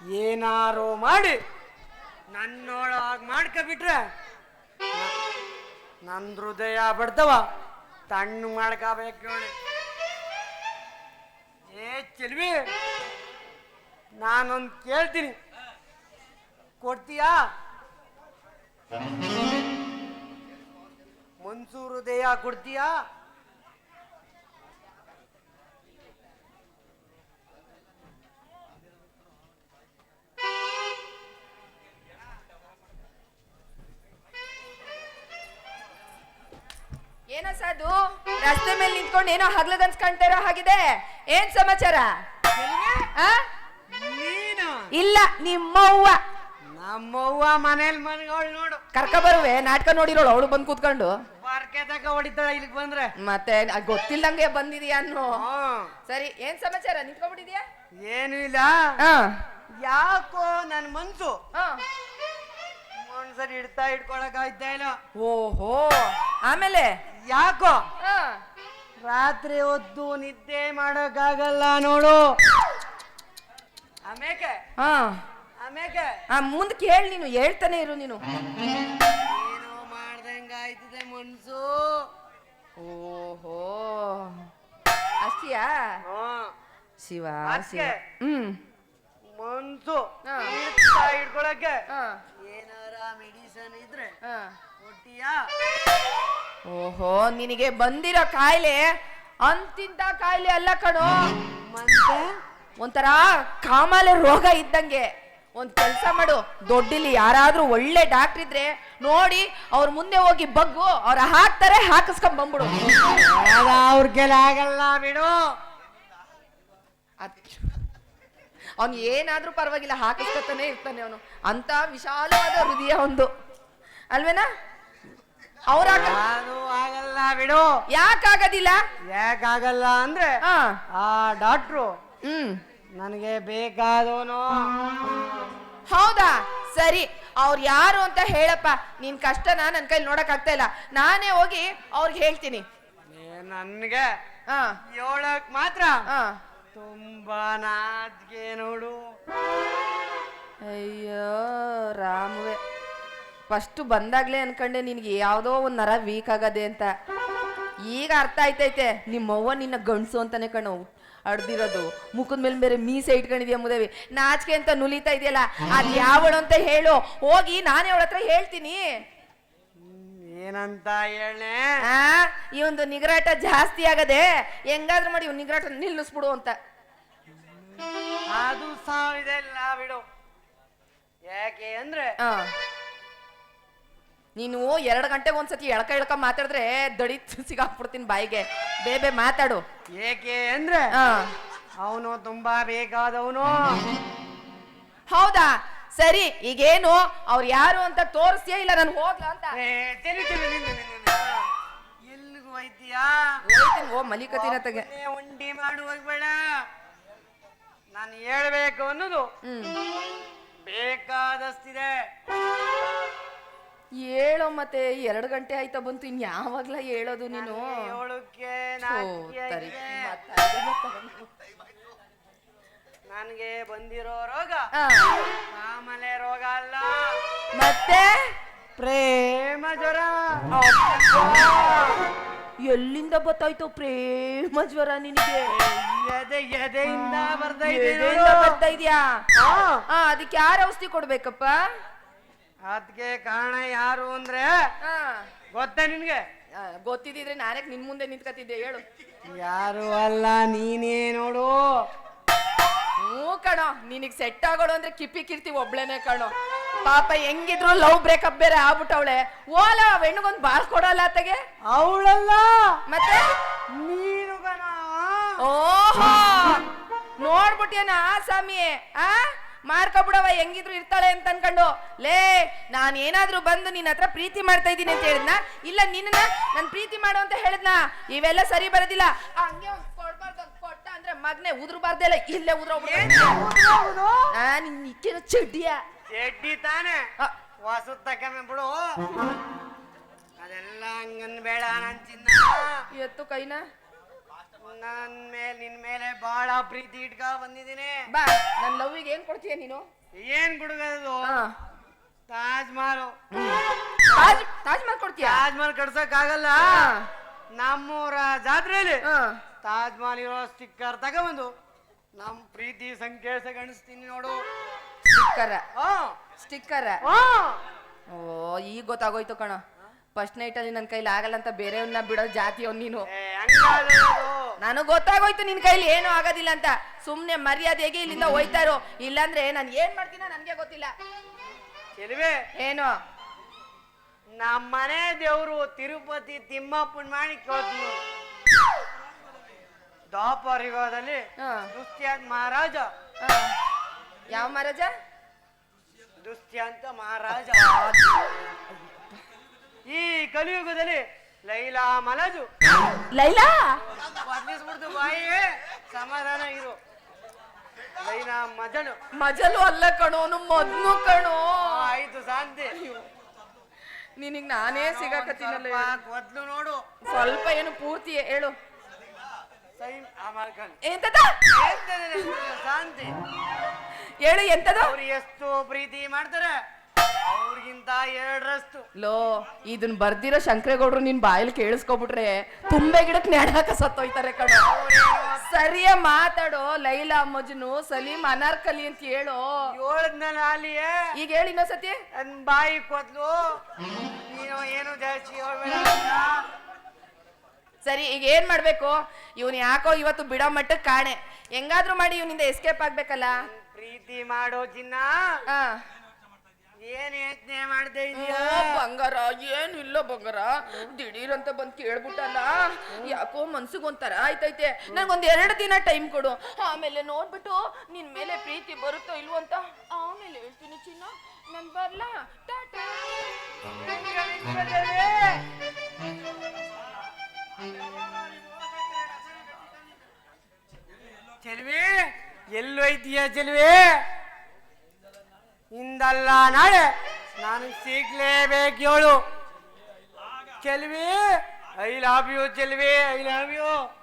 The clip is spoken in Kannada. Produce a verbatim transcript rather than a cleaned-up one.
ಏನಾರು ಮಾಡಿ ನನ್ನೊಳಗೆ ಮಾಡ್ಕೊಬಿಟ್ರೆ ನನ್ನ ಹೃದಯ ಬಡ್ದವ ತಣ್ಣು ಮಾಡ್ಕೋಬೇಕು ನೋಡಿ. ಏ ಚೆಲ್ವಿ, ನಾನೊಂದು ಕೇಳ್ತೀನಿ, ಕೊಡ್ತೀಯಾ? ಮನ್ಸು ಹೃದಯ ಕೊಡ್ತೀಯಾ? ಏನೋ ಸಾಧು, ರಸ್ತೆ ಮೇಲೆ ನಿಂತ್ಕೊಂಡು ಏನೋ ಹಗ್ಲಗನ್ಸ್ ಕಾಣ್ತಾ ಇರೋ ಹಾಗಿದೆ. ಏನ್ ಸಮಾಚಾರ? ಇಲ್ಲ, ನಿಮ್ಮವ್ವ. ನಮ್ಮವ್ವ ಮನೇಲಿ ಮನೆಗಳು ನೋಡು, ಕರ್ಕ ಬರುವೆ. ನಾಟಕ ನೋಡಿರೋಳು ಅವಳು ಬಂದು ಕೂತ್ಕೊಂಡು ಪಾರ್ಕೆ ತಕ ಹೊಡಿತಾಳ ಇಲ್ಲಿಗೆ ಬಂದ್ರೆ. ಮತ್ತೆ ಗೊತ್ತಿಲ್ದಂಗೆ ಬಂದಿದೀಯ ಅನ್ನೋ. ಸರಿ, ಏನ್ ಸಮಾಚಾರ? ನಿಂತ್ಕೊಂಡ್ಬಿಟ್ಟಿದ್ಯಾ? ಏನು ಇಲ್ಲ, ಯಾಕೋ ನನ್ ಮನ್ಸು ಮನ್ಸಲ್ಲಿ ಇಡ್ತಾ ಇಟ್ಕೊಳಕ್ ಆಯ್ತಾ ಇಲ್ಲ. ಓಹೋ, ಆಮೇಲೆ ಯಾಕೋ ರಾತ್ರಿ ಹೊತ್ತು ನಿದ್ದೆ ಮಾಡಕ್ಕಾಗಲ್ಲ ನೋಡು. ಆಮೇಕೆ ಹಾ ಆಮೇಕೆ ಮುಂದೆ ಕೇಳಿ, ನೀನು ಹೇಳ್ತಾನೆ ಇರು. ನೀನು ಏನೋ ಮಾಡ್ದಂಗ ಆಯ್ತಿದೆ ಮನ್ಸು. ಓಹೋ, ಅಷ್ಟಿಯಾ? ಶಿವ ಶಿವ. ಹ್ಮ್, ಮನ್ಸು ಇಟ್ಕೊಳಕ್ಕೆ ಏನಾರ ಮೆಡಿಸನ್ ಇದ್ರೆ ಕೊಟ್ಟಿಯಾ? ಓಹೋ, ನಿನಗೆ ಬಂದಿರೋ ಕಾಯಿಲೆ ಅಂತಿಂತ ಕಾಯಿಲೆ ಅಲ್ಲ ಕಣೋ. ಮತ್ತೆ ಒಂಥರ ಕಾಮಾಲೆ ರೋಗ ಇದ್ದಂಗೆ. ಒಂದ್ ಕೆಲ್ಸ ಮಾಡು, ದೊಡ್ಡಿಲಿ ಯಾರಾದ್ರೂ ಒಳ್ಳೆ ಡಾಕ್ಟರ್ ಇದ್ರೆ ನೋಡಿ ಅವ್ರ ಮುಂದೆ ಹೋಗಿ ಬಗ್ಗು, ಅವ್ರ ಹಾಕ್ತಾರೆ, ಹಾಕಿಸ್ಕೊಂಡ್ ಬಂದ್ಬಿಡು. ಅವ್ರ ಕೆಲ ಆಗಲ್ಲ ಬಿಡು. ಅವ್ನು ಏನಾದ್ರೂ ಪರವಾಗಿಲ್ಲ, ಹಾಕಿಸ್ಕೊತಾನೆ ಇರ್ತಾನೆ ಅವನು. ಅಂತ ವಿಶಾಲವಾದ ಹೃದಯ ಒಂದು, ಅಲ್ವೇನಾ? ಅವ್ರ ಆಗಲ್ಲ ಬಿಡು. ಯಾಕಾಗದಿಲ್ಲ? ಯಾಕಾಗಲ್ಲ ಅಂದ್ರೆ ಆ ಡಾಕ್ಟ್ರು ಹ್ಮ್ ನನಗೆ ಬೇಕಾದವನು. ಹೌದಾ? ಸರಿ, ಅವ್ರು ಯಾರು ಅಂತ ಹೇಳಪ್ಪ. ನಿನ್ ಕಷ್ಟನ ನನ್ ಕೈಲಿ ನೋಡಕ್ ಆಗ್ತಾ ಇಲ್ಲ, ನಾನೇ ಹೋಗಿ ಅವ್ರಿಗೆ ಹೇಳ್ತೀನಿ. ನನ್ಗೆ ಹ ಹೇಳಕ್ ಮಾತ್ರ ಹ ತುಂಬಾ ನಾಚಿಕೆ ನೋಡು. ಅಯ್ಯೋ ರಾಮವೇ, ಫಸ್ಟ್ ಬಂದಾಗ್ಲೇ ಅನ್ಕಂಡೆ ನಿನ್ಗೆ ಯಾವ್ದೋ ಒಂದ್ ನರ ವೀಕ್ ಆಗದೆ ಅಂತ. ಈಗ ಅರ್ಥ ಆಯ್ತೈತೆ, ನಿಮ್ಮವ್ವ ನಿನ್ನ ಗಂಡ್ಸು ಅಂತಾನೆ ಕಣೋ ಅಡ್ದಿರೋದು. ಮುಖದ ಮೇಲೆ ಬೇರೆ ಮೀಸೆ ಇಟ್ಕೊಂಡಿದ್ಯಾ ಮುದೇವಿ, ನಾಚಿಕೆ ಅಂತ ನುಲಿತಾ ಇದೆಯಲ್ಲ, ಅದ್ ಯಾವಳು ಅಂತ ಹೇಳು, ಹೋಗಿ ನಾನೇ ಅವಳ ಹತ್ರ ಹೇಳ್ತೀನಿ. ಏನಂತ ಹೇಳನೆ? ಆ ಈ ಒಂದು ನಿಗರಾಟ ಜಾಸ್ತಿ ಆಗದೆ, ಹೆಂಗಾದ್ರೂ ಮಾಡಿ ಇವ್ ನಿಗರಾಟ ನಿಲ್ಲಿಸ್ಬಿಡು ಅಂತ. ಅದು ಸಾವಿದೆಲ್ಲ ಬಿಡು. ಯಾಕೆ ಅಂದ್ರೆ ನೀನು ಎರಡು ಗಂಟೆಗೆ ಒಂದ್ಸತಿ ಎಳ್ಕ ಎಳ್ಕ ಮಾತಾಡಿದ್ರೆ ದಡಿ ಸಿಗಾಕ್ಬಿಡ್ತೀನಿ ಬಾಯಿಗೆ. ಬೇಬೆ ಮಾತಾಡು. ಏಕೆ ಅಂದ್ರೆ ಅವನು ತುಂಬಾ ಬೇಕಾದವನು. ಹೌದಾ? ಸರಿ, ಈಗೇನು ಅವ್ರು ಯಾರು ಅಂತ ತೋರಿಸ್ತೀಯ ಇಲ್ಲ ನಾನು ಹೋಗ್ಲಾ ಅಂತ? ಎಲ್ಲಿಗೂ ಹೋಯ್ತೀಯಾ? ಓ ಮಲಿಕತಿನ ತಗೆ ಉಂಡಿ ಮಾಡು ಹೋಗ್ಬೇಡ. ನಾನು ಹೇಳ್ಬೇಕು ಅನ್ನೋದು ಬೇಕಾದಷ್ಟಿದೆ. ಹೇಳೋ ಮತ್ತೆ, ಎರಡು ಗಂಟೆ ಆಯ್ತಾ ಬಂತು, ಇನ್ ಯಾವಾಗ್ಲಾ ಹೇಳೋದು ನೀನು? ನನಗೆ ಬಂದಿರೋ ರೋಗ ಆಮೇಲೆ ರೋಗ ಅಲ್ಲ, ಮತ್ತೆ ಪ್ರೇಮ ಜ್ವರ. ಎಲ್ಲಿಂದ ಗೊತ್ತಾಯ್ತು ಪ್ರೇಮ ಜ್ವರ ನಿನಗೆ? ಎದೆ ಎದೆಯಿಂದ ಬರ್ತಾ ಬರ್ತಾ ಇದ್ಯಾ? ಅದಕ್ಕೆ ಯಾರ ಔಷಧಿ ಕೊಡ್ಬೇಕಪ್ಪ? ಅದಕ್ಕೆ ಕಾರಣ ಯಾರು ಅಂದ್ರೆ ಗೊತ್ತಾ ನಿನ್ಗೆ? ಗೊತ್ತಿದ್ರೆ ನಾನೇ ನಿನ್ ಮುಂದೆ ನಿಂತ್ಕತಿದ್ದೆ. ಹೇಳು. ಯಾರು ಅಲ್ಲ, ನೀನೇ ನೋಡು. ಹ್ಞೂ ಕಣೋ, ನಿನಗ್ ಸೆಟ್ ಆಗೋಳು ಅಂದ್ರೆ ಕಿಪ್ಪಿ ಕಿರ್ತಿ ಒಬ್ಳೇನೆ ಕಣೋ. ಪಾಪ ಹೆಂಗಿದ್ರು ಲವ್ ಬ್ರೇಕಪ್ ಬೇರೆ ಆಗ್ಬಿಟ್ಟವಳೆ. ಓಲ ಹೆಣ್ಗೊಂದ್ ಬಾಳ್ ಕೊಡಲ್ಲ ಅತ್ತಗೆ. ಅವಳಲ್ಲ ಮತ್ತೆ ನೀನು ಕಣ. ಓಹೋ, ನೋಡ್ಬಿಟ್ಟಿಯನ ಸ್ವಾಮಿ? ಆ ಮಾರ್ಕೊಬಿಡವ, ಹೆಂಗಿದ್ರು ಇರ್ತಾಳೆ ಅಂತ ಅನ್ಕೊಂಡು. ಲೇ, ನಾನ್ ಏನಾದ್ರೂ ಬಂದು ನಿನ್ನ ಹತ್ರ ಪ್ರೀತಿ ಮಾಡ್ತಾ ಇದ್ದೀನಿ ಅಂತ ಹೇಳಿದ್ನ, ಇಲ್ಲ ನಿನ್ನ ನನ್ ಪ್ರೀತಿ ಮಾಡು ಅಂತ ಹೇಳಿದ್ನ? ಇವೆಲ್ಲ ಸರಿ ಬರೋದಿಲ್ಲ. ಹಂಗೆ ಕೊಡ್ಬಾರ್ದು, ಕೊಟ್ಟ ಅಂದ್ರೆ ಮಗ್ನೆ ಉದ್ರಬಾರ್ದೆಲ್ಲ, ಇಲ್ಲೇ ಉದ್ರೋಗ್ಬಿಡು. ಆ ನಿನ್ ನಿಕ್ಕೇನು ಚಡ್ಡಿಯ? ಚಡ್ಡಿ ತಾನೆ, ಹೊಸ ತಕಮೆ ಬಿಡು. ಅದೆಲ್ಲ ಹಂಗನ್ ಬೇಡ ನನ್ ಚಿನ್ನ. ಎತ್ತು ಕೈನ ನನ್ ಮೇಲೆ ನಿನ್ ಮೇಲೆ ಬಹಳ ಪ್ರೀತಿ ಇಟ್ಕ ಬಂದಿದ್ದೀನಿ. ಬಾ ನನ್ ಲವ್ವಿಗೆ ಏನ್ ಕೊಡ್ತೀಯ ನೀನು? ಏನ್ ಕುಡುಗದು? ಹಾ. ತಾಜ್ ಮಹಲ್. ತಾಜ್ ತಾಜ್ ಮಹಲ್ ಕೊಡ್ತೀಯ? ತಾಜ್ ಮಹಲ್ ಕಟ್ಸಕ್ ಆಗಲ್ಲ. ನಮ್ಮೂರ ಜಾತ್ರೆಯಲ್ಲಿ ತಾಜ್ ಮಹಲ್ ಇರೋ ಸ್ಟಿಕ್ಕರ್ ತಗೊಂಬಂದು ನಮ್ ಪ್ರೀತಿ ಸಂಕೇತ ಗಣಿಸ್ತೀನಿ ನೋಡು. ಸ್ಟಿಕ್ಕರ್ ಹಾ ಸ್ಟಿಕ್ಕರ್. ಹಾ ಓ ಈಗ ಗೊತ್ತಾಗೋಯ್ತು ಕಣ. ಫಸ್ಟ್ ನೈಟ್ ಅಲ್ಲಿ ನನ್ ಕೈಲಿ ಆಗಲ್ಲ ಅಂತ ಬೇರೆಯವ್ರನ್ನ ಬಿಡೋ ಜಾತಿಯವ್ ನೀನು. ಏ, ಹಂಗಾದ್ರೆ ಅದು. ನನಗ್ ಗೊತ್ತಾಗೋಯ್ತು ನಿನ್ ಕೈಲಿ ಏನು ಆಗೋದಿಲ್ಲ ಅಂತ. ಸುಮ್ನೆ ಮರ್ಯಾದೆಗೆ ಇಲ್ಲಿಂದ ಹೋಯ್ತಾರೋ, ಇಲ್ಲಾಂದ್ರೆ ನಾನು ಏನ್ ಮಾಡ್ತೀನ ನನ್ಗೆ ಗೊತ್ತಿಲ್ಲ. ಚೆಲುವೆ, ಏನು ನಮ್ಮ ಮನೆ ದೇವ್ರು ತಿರುಪತಿ ತಿಮ್ಮಪ್ಪನ ಮಾಡಿ ಕೇಳ್ತೀನಿ. ದ್ವಾಪರ ಯುಗದಲ್ಲಿ ಹಾ. ದುಷ್ಯಂತ ಮಹಾರಾಜ. ಹಾ. ಯಾವ ಮಹಾರಾಜ? ದುಷ್ಯಂತ ಮಹಾರಾಜ. ಈ ಕಲಿಯುಗದಲ್ಲಿ ಲೈಲಾ ಮಲಜು. ಲೈಲಾ ಬದಲಿಸ್ಬಿಡ್ತು ಬಾಯಿಗೆ. ಸಮಾಧಾನ ಇರು. ಲೈಲಾ ಮಜನು. ಮಜಲು ಅಲ್ಲ ಕಣೋ, ಮೊದ್ಲು ಕಣೋ. ಆಯ್ತು ಶಾಂತಿ. ನಿನಗ್ ನಾನೇ ಸಿಗಾಕತ್ತೀನಲ್ಲ. ಮೊದ್ಲು ನೋಡು. ಸ್ವಲ್ಪ ಏನು ಪೂರ್ತಿ ಹೇಳು. ಸೈಮ್ ಅಮರ್ಕನ್. ಎಂತದ? ಶಾಂತಿ. ಹೇಳು ಎಂತದ? ಅವ್ರು ಎಷ್ಟು ಪ್ರೀತಿ ಮಾಡ್ತಾರೆ ಅವ್ರಿಗಿಂತ ಎರಡರಷ್ಟು. ಲೋ ಇದನ್ ಬರ್ದಿರೋ ಶಂಕರೇಗೌಡ್ರು ನಿನ್ ಬಾಯಲ್ಲಿ ಕೇಳಿಸ್ಕೊಬಿಟ್ರೆ ತುಂಬೆ ಗಿಡಕ್ ನೆಡಾಕ ಸತ್ತೋಯ್ತಾರೆ ಕಣ. ಸರಿಯ ಮಾತಾಡೋ. ಲೈಲಾ ಮಜ್ನು, ಸಲೀಂ ಅನಾರ್ಕಲಿ ಅಂತ ಹೇಳು. ಹೇಳದ್ನಲ್ಲ ಅಲ್ಲಿಯೇ. ಈಗ ಹೇಳಿ ಇನ್ನೊಂದ್ಸತಿ. ನನ್ ಬಾಯಿ ಕೊದ್ಲು. ನೀನು ಏನು ಜಾಸ್ತಿ ಹೇಳ್ಬೇಡ. ಸರಿ ಈಗ ಏನ್ ಮಾಡ್ಬೇಕು? ಇವನ್ ಯಾಕೋ ಇವತ್ತು ಬಿಡೋ ಮಟ್ಟಕ್ಕೆ ಕಾಣೆ. ಹೆಂಗಾದ್ರೂ ಮಾಡಿ ಇವನಿಂದ ಎಸ್ಕೇಪ್ ಆಗ್ಬೇಕಲ್ಲ. ಪ್ರೀತಿ ಮಾಡೋ ಚಿನ್ನ. ಆ ಏನ್ ಯೋಚನೆ ಮಾಡ್ತಾ ಇದೀಯ? ಬಂಗಾರ ಏನಿಲ್ಲ ಬಂಗಾರ. ದಿಢೀರ್ ಅಂತ ಬಂದ್ ಕೇಳ್ಬಿಟ್ಟಲ್ಲ, ಯಾಕೋ ಮನ್ಸಿಗೆ ಒಂಥರ ಆಯ್ತೈತೆ. ನಂಗೊಂದ್ ಎರಡು ದಿನ ಟೈಮ್ ಕೊಡು, ಆಮೇಲೆ ನೋಡ್ಬಿಟ್ಟು ನಿನ್ ಮೇಲೆ ಪ್ರೀತಿ ಬರುತ್ತೋ ಇಲ್ವೋ ಅಂತ ಆಮೇಲೆ ಹೇಳ್ತೀನಿ ಚಿನ್ನ. ನನ್ ಬರ್ಲಾ? ಟಾಟಾ. ಚೆಲ್ವಿ, ಎಲ್ಲೋಯ್ತೀಯ ಚೆಲ್ವಿ? ಇಂದಲ್ಲ ನಾಳೆ ನಾನು ಸಿಗ್ಲೇಬೇಕು ಹೇಳು Chelvi. I love you Chelvi, I love you.